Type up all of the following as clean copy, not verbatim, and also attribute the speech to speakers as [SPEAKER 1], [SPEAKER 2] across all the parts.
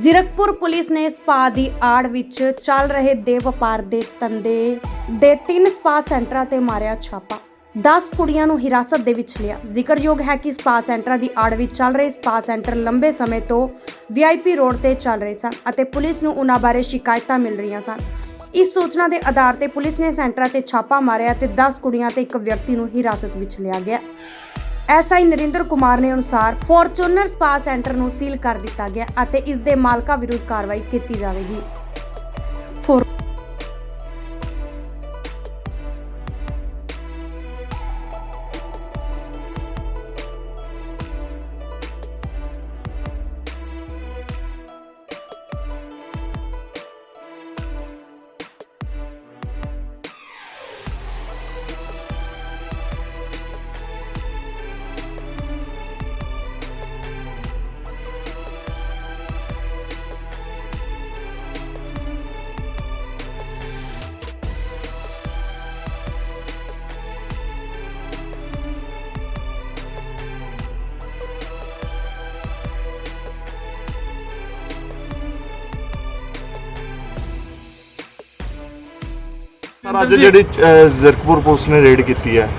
[SPEAKER 1] Zirakpur police ਨੇ spa ਦੀ ਆੜ ਵਿੱਚ ਚੱਲ ਰਹੇ ਦੇ ਵਪਾਰ ਦੇ ਧੰਦੇ ਦੇ 3 ਸਪਾ ਸੈਂਟਰਾਂ ਤੇ ਮਾਰਿਆ ਛਾਪਾ। 10 ਕੁੜੀਆਂ ਨੂੰ ਹਿਰਾਸਤ ਦੇ ਵਿੱਚ ਲਿਆ। ਜ਼ਿਕਰਯੋਗ ਹੈ ਕਿ ਸਪਾ ਸੈਂਟਰਾਂ ਦੀ ਆੜ ਵਿੱਚ ਚੱਲ ਰਹੇ ਸਪਾ ਸੈਂਟਰ ਲੰਬੇ ਸਮੇਂ ਤੋਂ VIP ਰੋਡ ਤੇ ਚੱਲ ਰਹੇ ਸਨ ਅਤੇ ਪੁਲਿਸ ਨੂੰ ਉਹਨਾਂ ਬਾਰੇ ਸ਼ਿਕਾਇਤਾਂ ਮਿਲ ਰਹੀਆਂ ਸਨ। ਇਸ ਸੂਚਨਾ ਦੇ ਆਧਾਰ ਤੇ ਪੁਲਿਸ ਨੇ ਸੈਂਟਰਾਂ ਤੇ ਛਾਪਾ ਮਾਰਿਆ ਤੇ 10 ਕੁੜੀਆਂ ਤੇ ਇੱਕ ਵਿਅਕਤੀ ਨੂੰ ਹਿਰਾਸਤ ਵਿੱਚ ਲਿਆ ਗਿਆ। SI ਨਰਿੰਦਰ ਕੁਮਾਰ ਨੇ ਅਨੁਸਾਰ ਫੋਰਚੂਨਰ ਸਪਾ ਸੈਂਟਰ ਨੂੰ ਸੀਲ ਕਰ ਦਿੱਤਾ ਗਿਆ ਅਤੇ ਇਸ ਦੇ ਮਾਲਕਾਂ ਵਿਰੁੱਧ ਕਾਰਵਾਈ ਕੀਤੀ ਜਾਵੇਗੀ।
[SPEAKER 2] ਅੱਜ ਜਿਹੜੀ ਜ਼ੀਰਕਪੁਰ ਪੁਲਿਸ ਨੇ ਰੇਡ ਕੀਤੀ ਹੈ,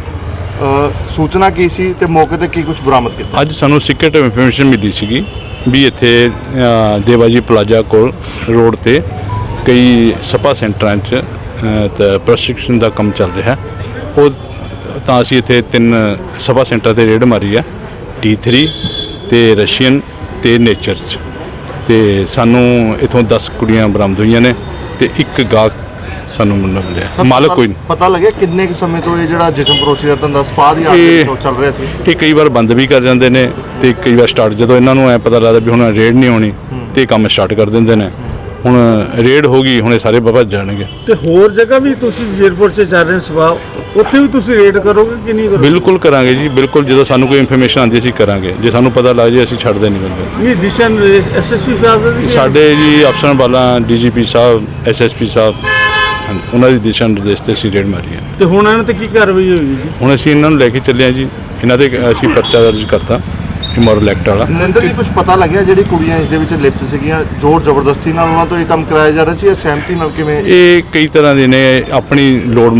[SPEAKER 2] ਸੂਚਨਾ ਕੀ ਸੀ ਤੇ ਮੌਕੇ ਤੇ ਕੀ ਕੁਝ ਬਰਾਮਦ ਕੀਤਾ?
[SPEAKER 3] ਅੱਜ ਸਾਨੂੰ ਸੀਕ੍ਰੇਟ ਇਨਫੋਰਮੇਸ਼ਨ ਮਿਲੀ ਸੀਗੀ ਵੀ ਇੱਥੇ ਦੇਵਾਜੀ ਪਲਾਜ਼ਾ ਕੋਲ ਰੋਡ ਤੇ ਕਈ ਸਪਾ ਸੈਂਟਰਾਂ 'ਚ ਤਾਂ ਪ੍ਰਸ਼ਿਕਸ਼ਨ ਦਾ ਕੰਮ ਚੱਲ ਰਿਹਾ। ਉਹ ਤਾਂ ਅਸੀਂ ਇੱਥੇ 3 ਸਪਾ ਸੈਂਟਰ ਤੇ ਰੇਡ ਮਾਰੀ ਹੈ, T3 ਤੇ ਰਸ਼ੀਅਨ ਤੇ ਨੇਚਰ 'ਚ, ਤੇ ਸਾਨੂੰ ਇਥੋਂ 10 ਕੁੜੀਆਂ ਬਰਾਮਦ ਹੋਈਆਂ ਨੇ ਤੇ ਇੱਕ ਗਾਹਕ ਸਾਨੂੰ ਮਿਲਿਆ। ਮਾਲਕ ਕੋਈ
[SPEAKER 2] ਪਤਾ ਲੱਗਿਆ ਕਿੰਨੇ ਕੁ ਸਮੇਂ ਤੋਂ ਇਹ ਜਿਹੜਾ ਜਿਸਮ ਪਰੋਸੀ ਦਾ ਧੰਦਾ ਸਪਾ ਦੀ ਆੜ ਤੋਂ ਚੱਲ ਰਿਹਾ ਸੀ?
[SPEAKER 3] ਇਹ ਕਈ ਵਾਰ ਬੰਦ ਵੀ ਕਰ ਜਾਂਦੇ ਨੇ ਤੇ ਕਈ ਵਾਰ ਸਟਾਰਟ, ਜਦੋਂ ਇਹਨਾਂ ਨੂੰ ਐ ਪਤਾ ਲੱਗਦਾ ਵੀ ਹੁਣ ਰੇਡ ਨਹੀਂ ਹੋਣੀ ਤੇ ਕੰਮ ਸਟਾਰਟ ਕਰ ਦਿੰਦੇ ਨੇ। ਹੁਣ ਰੇਡ ਹੋ ਗਈ, ਹੁਣ ਇਹ ਸਾਰੇ ਭੱਜ ਜਾਣਗੇ।
[SPEAKER 4] ਤੇ ਹੋਰ ਜਗ੍ਹਾ ਵੀ ਤੁਸੀਂ ਜ਼ੀਰਕਪੁਰ 'ਚ ਚੱਲ ਰਹੇ ਸਪਾ, ਉੱਥੇ ਵੀ ਤੁਸੀਂ ਰੇਡ ਕਰੋਗੇ ਕਿ ਨਹੀਂ ਕਰੋਗੇ?
[SPEAKER 3] ਬਿਲਕੁਲ ਕਰਾਂਗੇ ਜੀ, ਬਿਲਕੁਲ। ਜਦੋਂ ਸਾਨੂੰ ਕੋਈ ਇਨਫੋਰਮੇਸ਼ਨ ਆਉਂਦੀ ਅਸੀਂ ਕਰਾਂਗੇ, ਜੇ ਸਾਨੂੰ ਪਤਾ ਲੱਗ ਜੇ ਅਸੀਂ ਛੱਡਦੇ ਨਹੀਂ ਬੰਦੇ।
[SPEAKER 4] ਨਹੀਂ ਦਿਸ਼ਨ SSP ਸਾਹਿਬ ਦੇ
[SPEAKER 3] ਸਾਡੇ ਜੀ ਅਫਸਰਾਂ ਵਾਲਾ DGP ਸਾਹਿਬ, SSP ਸਾਹਿਬ, ਉਹਨਾਂ ਦੀ ਦਿਸ਼ਾ ਨਿਰਦੇਸ਼ ਤੇ ਅਸੀਂ ਰੇਡ ਮਾਰੀ ਹੈ।
[SPEAKER 4] ਤੇ ਹੁਣ ਇਹਨਾਂ ਤੇ ਕੀ ਕਾਰਵਾਈ ਹੋਈ ਜੀ?
[SPEAKER 3] ਹੁਣ ਅਸੀਂ ਇਹਨਾਂ ਨੂੰ ਲੈ ਕੇ ਚੱਲੇ ਹਾਂ ਜੀ, ਇਹਨਾਂ ਦੇ ਅਸੀਂ ਪਰਚਾ ਦਰਜ ਕਰਤਾ ਇਮੋਰਲ ਐਕਟ ਵਾਲਾ।
[SPEAKER 2] ਨਰਿੰਦਰ ਜੀ, ਕੁਝ ਪਤਾ ਲੱਗਿਆ ਜਿਹੜੀ ਕੁੜੀਆਂ ਇਸ ਦੇ ਵਿੱਚ ਲਿਪਤ ਸੀਗੀਆਂ, ਜ਼ੋਰ ਜ਼ਬਰਦਸਤੀ ਨਾਲ ਉਹਨਾਂ ਤੋਂ ਇਹ ਕੰਮ ਕਰਾਇਆ ਜਾ ਰਿਹਾ ਸੀ ਜਾਂ ਸਹਿਮਤੀ ਨਾਲ? ਕਿਵੇਂ?
[SPEAKER 3] ਇਹ ਕਈ ਤਰ੍ਹਾਂ ਦੇ ਨੇ, ਆਪਣੀ ਲੋੜ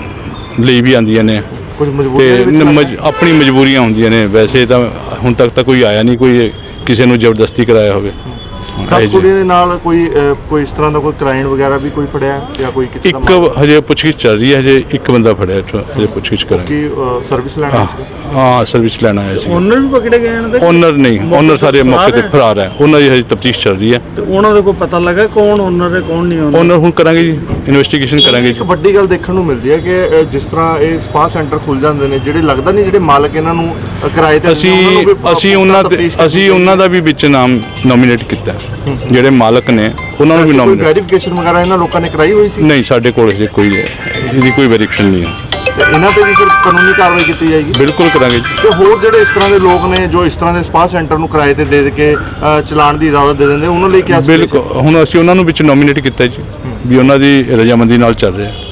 [SPEAKER 3] ਲਈ ਵੀ ਆਉਂਦੀਆਂ ਨੇ
[SPEAKER 2] ਕੁਝ
[SPEAKER 3] ਤੇ
[SPEAKER 2] ਮਜਬੂਰੀ
[SPEAKER 3] ਆਪਣੀ ਮਜਬੂਰੀਆਂ ਹੁੰਦੀਆਂ ਨੇ। ਵੈਸੇ ਤਾਂ ਹੁਣ ਤੱਕ ਤਾਂ ਕੋਈ ਆਇਆ ਨਹੀਂ ਕੋਈ ਕਿਸੇ ਨੂੰ ਜ਼ਬਰਦਸਤੀ ਕਰਾਇਆ ਹੋਵੇ।
[SPEAKER 2] 10 ਕੁੜੀਆਂ ਦੇ ਨਾਲ ਕੋਈ ਇਸ ਤਰ੍ਹਾਂ ਦਾ ਕੋਈ ਕ੍ਰਾਈਮ ਵਗੈਰਾ ਵੀ ਕੋਈ ਫੜਿਆ ਜਾਂ ਕੋਈ ਕਿਸੇ ਦਾ?
[SPEAKER 3] ਇੱਕ ਹਜੇ ਪੁੱਛਗਿੱਛ ਚੱਲ ਰਹੀ ਹੈ, ਹਜੇ ਇੱਕ ਬੰਦਾ ਫੜਿਆ, ਹਜੇ ਪੁੱਛਗਿੱਛ ਕਰਾਂਗੇ।
[SPEAKER 2] ਕੀ ਸਰਵਿਸ ਲੈਣਾ?
[SPEAKER 3] ਹਾਂ, ਸਰਵਿਸ ਲੈਣ ਆਇਆ ਸੀ।
[SPEAKER 4] ਓਨਰ ਵੀ ਪਕੜੇ ਗਏ ਇਹਨਾਂ ਦੇ?
[SPEAKER 3] ਓਨਰ ਨਹੀਂ, ਓਨਰ ਸਾਰੇ ਮੌਕੇ ਤੇ ਫਰਾਰ ਹੈ। ਉਹਨਾਂ ਦੀ ਹਜੇ ਤਫਤੀਸ਼ ਚੱਲ ਰਹੀ ਹੈ।
[SPEAKER 4] ਤੇ ਉਹਨਾਂ ਦਾ ਕੋਈ ਪਤਾ ਲੱਗਾ ਕੌਣ ਓਨਰ ਹੈ ਕੌਣ ਨਹੀਂ ਓਨਰ?
[SPEAKER 3] ਓਨਰ ਹੁਣ ਕਰਾਂਗੇ ਜੀ, ਇਨਵੈਸਟੀਗੇਸ਼ਨ ਕਰਾਂਗੇ ਜੀ।
[SPEAKER 2] ਇੱਕ ਵੱਡੀ ਗੱਲ ਦੇਖਣ ਨੂੰ ਮਿਲਦੀ ਹੈ ਕਿ ਜਿਸ ਤਰ੍ਹਾਂ ਇਹ ਸਪਾ ਸੈਂਟਰ ਖੁੱਲ ਜਾਂਦੇ ਨੇ, ਜਿਹੜੇ ਲੱਗਦਾ ਨਹੀਂ ਜਿਹੜੇ ਮਾਲਕ ਇਹਨਾਂ ਨੂੰ ਕਿਰਾਏ ਤੇ
[SPEAKER 3] ਅਸੀਂ ਉਹਨਾਂ ਦਾ ਵੀ ਵਿੱਚ ਨਾਮ ਨੋਮੀਨੇਟ ਕੀਤਾ, ਜਿਹੜੇ ਮਾਲਕ ਨੇ ਉਹਨਾਂ ਨੂੰ ਵੀ ਨੋਮੀਨੇਟ।
[SPEAKER 2] ਵੈਰੀਫਿਕੇਸ਼ਨ ਵਗੈਰਾ ਇਹਨਾਂ ਲੋਕਾਂ ਨੇ ਕਰਾਈ ਹੋਈ ਸੀ?
[SPEAKER 3] ਨਹੀਂ, ਸਾਡੇ ਕੋਲ ਇਹਦੀ ਕੋਈ ਵੈਰੀਫਿਕੇਸ਼ਨ ਨਹੀਂ ਹੈ।
[SPEAKER 2] ਤੇ ਇਹਨਾਂ ਤੇ ਵੀ ਫਿਰ ਕਾਨੂੰਨੀ ਕਾਰਵਾਈ ਕੀਤੀ ਜਾਏਗੀ?
[SPEAKER 3] ਬਿਲਕੁਲ ਕਰਾਂਗੇ ਜੀ।
[SPEAKER 2] ਤੇ ਹੋਰ ਜਿਹੜੇ ਇਸ ਤਰ੍ਹਾਂ ਦੇ ਲੋਕ ਨੇ ਜੋ ਇਸ ਤਰ੍ਹਾਂ ਦੇ ਸਪਾ ਸੈਂਟਰ ਨੂੰ ਕਿਰਾਏ ਤੇ ਦੇ ਕੇ ਚਲਾਉਣ ਦੀ ਇਜਾਜ਼ਤ ਦੇ ਦਿੰਦੇ, ਉਹਨਾਂ ਲਈ ਕੀ?
[SPEAKER 3] ਬਿਲਕੁਲ, ਹੁਣ ਅਸੀਂ ਉਹਨਾਂ ਨੂੰ ਵਿੱਚ ਨੋਮੀਨੇਟ ਕੀਤਾ ਜੀ ਵੀ ਉਹਨਾਂ ਦੀ ਰਜ਼ਾਮੰਦੀ ਨਾਲ ਚੱਲ ਰਿਹਾ।